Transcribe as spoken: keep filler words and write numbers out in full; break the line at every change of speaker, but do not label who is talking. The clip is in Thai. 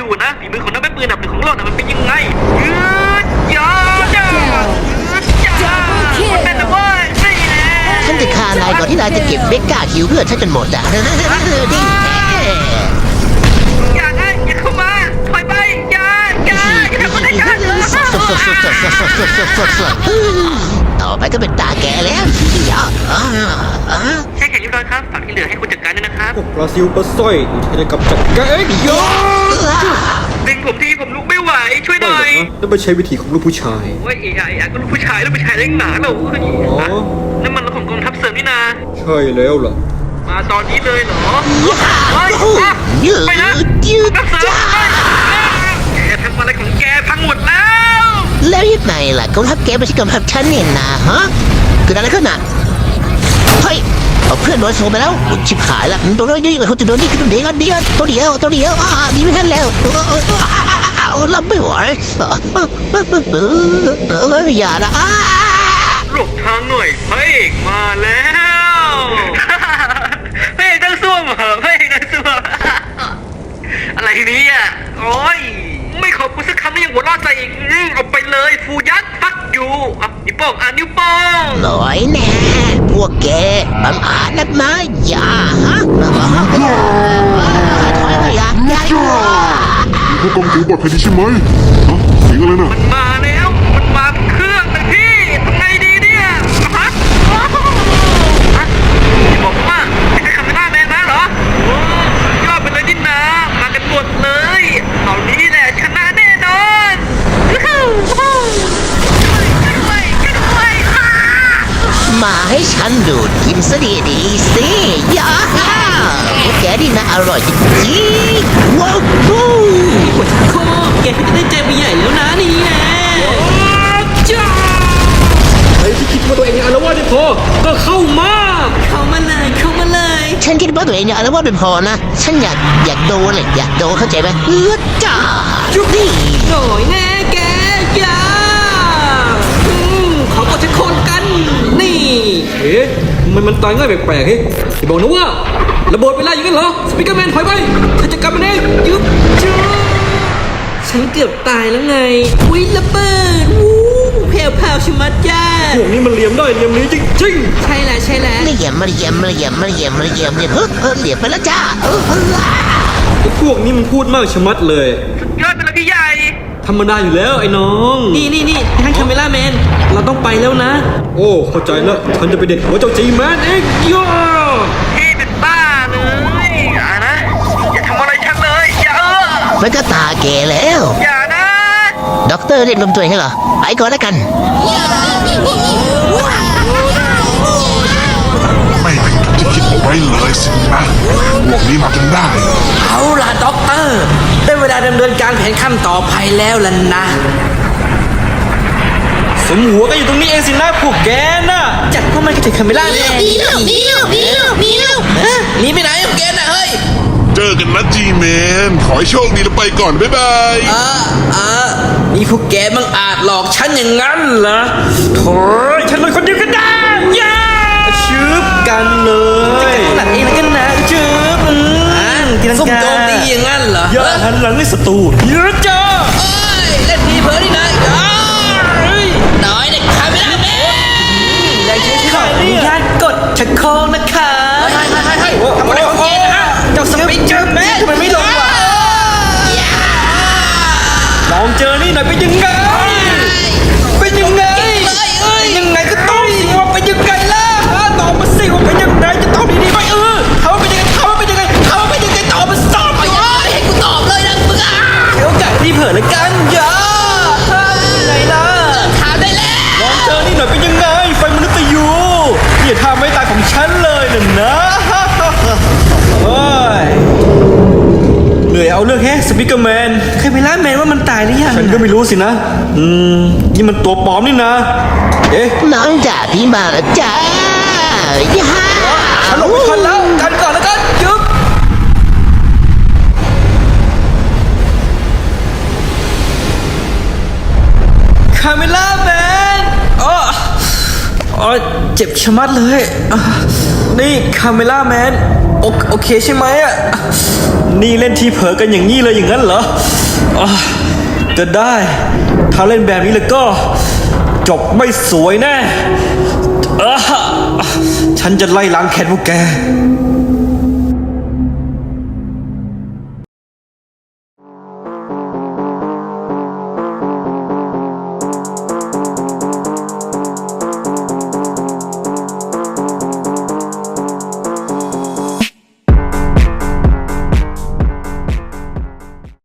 ดูนะฝีมือของนักปืนอันดับหนึ่งของโลกน่ะมันเป็นยังไงยืดยาวจ้าจ้ามันเป็นอะไรนี่แหละ
ฉันจะฆ่านายก่อนที่นายจะเก็บเบกก้าคิวเพื่อฉันจนหมดอ่ะดี
อย่านะอย่าเข้ามาถอยไปอย่าอย่าอย่าทำอะไรกัน
ต่อไปก็เป็นตาแกแล้ว
ใช่แค่เรียบร้อยครับฝากที่เหลือให้คุณจัดการด้วยนะครับ
พวกปลาซิวปลาสร้อยที่จะกำจัดแกเองยอ
ดึงผมทีผมลุกไม่ไหวช่วยหน่อย
นั่นไม่ใช่วิธีของลูกผู้ชาย
โอ้ยเอ๋ไอ้ก็ลูกผู้ชายลูกผู้ชายเล่นหนาเราคือนั่นมันของกองทัพเสริมนี่นา
ใช่แล้วล่ะ
มาตอนนี้เลยเหรอไปนะนักเสริมแกทำอะไรของแกพังหมดแล้ว
แล้วยังไงล่ะกองทัพแกไม่ใช่กองทัพฉันเนี่ยนะฮะเกิดอะไรขึ้นน่ะเฮ้ยเอาเพื่อนโดนโซ่ไปแล้วชิบหายละตัวน้อยนี่เขาจะโดนนี่ตัวเดียวเดียวตัวเดียวตัวเดียวอ่าดีไม่ทันแล้วรับไม่ไหวเอออย่านะ
หลบทางหน่อยพระเอกมาแล้วพระเอกตั้งซ่วมเหรอพระเอกตั้งซ่วมอะไรนี้อ่ะโอ้ยไม่ขอบคุณสักคำไม่ยังหัวเราะใจอีกเอาไปเลยฟูยัดฟักอยู่อ่ะนิ้วโป้งอ่ะนิ้วโป้ง
หน่อยแน่พวกแกบังอาจนักมาอย่าฮะถอยไปอย่าอย่า
พวกกองถือปลอดภัยดีใช่ไหมฮะเสียงอะไรน่ะ
มันมาแล้วมันมาเครื่องเลยพี่ทำไงดีเนี่ยฮะฮะบอกว่าไอ้คาเมล่าแมนมาเหรอโอ้ยอดไปเลยนี่นะมากันหมดเลยตอนนี้แหละชนะแน่นอน
มาให้ฉันดูดกินซะดีๆสิย่าพวกแกนี่นะอร่อยจริงๆว้าว
ปวดคอแกก็จะได้ใจไปใหญ่แล้วนะนี่แหละ
จ้าใครที่คิดว่าตัวเองอารวาสได้พอก็เข้ามา
เข้ามาเลยเข้ามาเลย
ฉันคิดว่าตัวเองเนี่ยอารวาสเป็นพอนะฉันอยากอยากโดนเลยอยากโดนเข้าใจไหมเออจ้า
จุ๊บนี่โดยแน่แกอย่าเขาก็จะคนกันนี่
เอ๊ะมันมันตายง่ายแปลกๆเฮ้ยอย่าบอกนะว่าระเบิดไปแล้วอย่างนั้นเหรอสปีกเกอร์แมนถอยไปฉันจะกลับมาเองยึบจ้า
ฉันเกือบตายแล้วไงอุ้ยระเบิดวู้แผ่วแผ่วชิมัดจ้า
พวกนี้มันเหลี่ยมได้เหลี่ยมนี้จริง
ๆใช่แล้วใช่แล้ว
ไม่เหลี่ยมไม่เหลี่ยมไม่เหลี่ยมไม่เหลี่ยมไม่เหลี่ยมเฮ้ยเหลี่ยมไปแล้วจ้า
ไอ้พวกนี้มันพูดมากชะมัดเลย
ยอดไปเลยพี่ใหญ่
ธรรมดาอยู่แล้วไอ้น้อง
นี่นี่นี่ท่านคาเมล่าแมนเราต้องไปแล้วนะ
โอ้เข้าใจแล้วฉันจะไปเด็ดหัวเจ้าจีแมนเองย่า
พี่เป็นบ้าเลยอย่านะอย่าทำอะไรฉันเลยอย่าเออ
มันก็ตาแกแล้ว
อย่านะ
ด็อกเตอร์เรียกลมตัวเองเหรอไปก่อนแล้วกัน
ไม่เป็นอย่างที่คิดเอาไว้เลยสินะพวกนี้มาจนได้
เอาล่ะด็อกเตอร์ได้เวลาดำเนินการแผนขั้นต่อไปแล้วล่ะนะ
สมหัวก็อยู่ตรงนี้เองสินะพวกแกน่ะ
จัดพวกมันกันถึงคาเมล่าแมน
มีแล้วมีแล้วมีแล้วมีแล้ว
หนีไปไหนพวกแกน่ะเฮ้ย
เจอกันนะจีแมนขอให้โชคดีแล้วไปก่อนบ๊ายบาย
อ่าอ่านี่พวกแกบังอาจหลอกฉันอย่างนั้นเหรอโถ่
ฉันเลยคนเดียวกันได้ย่าชืบกันเลย
จะกันหลังเองแล้วกันนะชืบอืมกินส้มโจมตีอย่างนั้นเหรอย่า
หันหลังให้ศัตรูเยอะจ้า
เอ้ยเล่นพีเพิร์ดนี่นะน้อยเด็กคาเมล่าแมนได้ชื่อขออนุญาตกดชักโครกนะคะ
ให้ให้ให้ให้
ทำอะไรของแกนะฮะเจ้าสปิเกอร์แมนทำไมไม่ลงวะ
ลองเจอนี่หน่อยเป็นยังไงเป็นยังไงยังไงก็ต้องสิว่าเป็นยังไงล่ะตอบมาสิว่าเป็นยังไงจะตอบดีๆไหมเออเขาเป็นยังไงเขาเป็นยังไงเขาเป็นยังไงตอบมาสอบไป
เลยให้กูตอบเลยนะมึงอ่ะ
ให้โอกาสที่เผื่อละกันอย่าไงล่ะ
ถามได้แล้ว
ลองเจอนี่หน่อยเป็นยังไงไฟมนุษย์ยูอย่าทำไม่ตายของฉันเลยน่ะนะเฮ้ยเหนื่อยเอาเรื่องแฮะสปิกเกอร์แมน
ใครไปล่าแมนว่ามันตายหรือยัง
ฉันก็ไม่รู้สินะอืมนี่มันตัวปลอมนี่นะเอ๊ะ
น้องจ่าพี่มาแล้วจ้าย่า
ฉันลงไปทันแล้วกันก่อนแล้วกันยึบคาเมล่าแมนอ๋ออ๋อเจ็บชะมัดเลยนี่คาเมล่าแมนโอเคใช่ไหมอ่ะนี่เล่นทีเผลอกันอย่างนี้เลยอย่างนั้นเหรออ่ะก็ได้ ถ้าเล่นแบบนี้แล้วก็ จบไม่สวยแน่อ่ะฉันจะไล่ล้างแค้นพวกแก